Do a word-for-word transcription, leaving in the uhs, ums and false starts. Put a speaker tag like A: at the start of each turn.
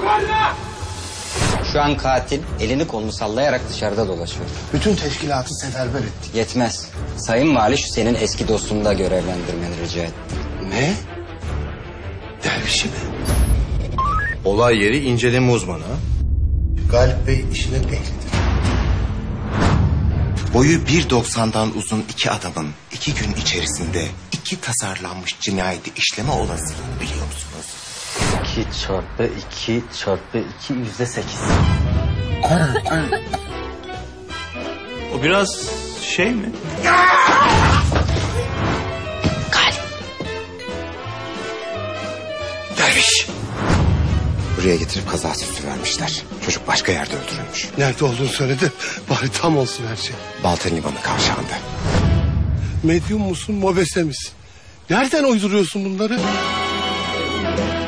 A: Şu an katil elini kolunu sallayarak dışarıda dolaşıyor.
B: Bütün teşkilatı seferber ettik.
A: Yetmez. Sayın Vali şu senin eski dostunu da görevlendirmeni rica etti.
B: Ne? Dervişi mi?
C: Olay yeri inceleme uzmanı.
B: Galip Bey işinin ehlidir.
D: Boyu bir doksandan uzun iki adamın iki gün içerisinde iki tasarlanmış cinayeti işleme olasılığını biliyor musunuz?
E: iki çarpı iki çarpı iki yüzde sekiz.
C: O biraz şey mi?
D: Derviş! Buraya getirip kaza süsü vermişler. Çocuk başka yerde öldürülmüş.
B: Nerede olduğunu söyledi. Bari tam olsun her şey.
D: Balta Limanı kavşağında.
B: Medyum musun, mobese misin? Nereden uyduruyorsun bunları?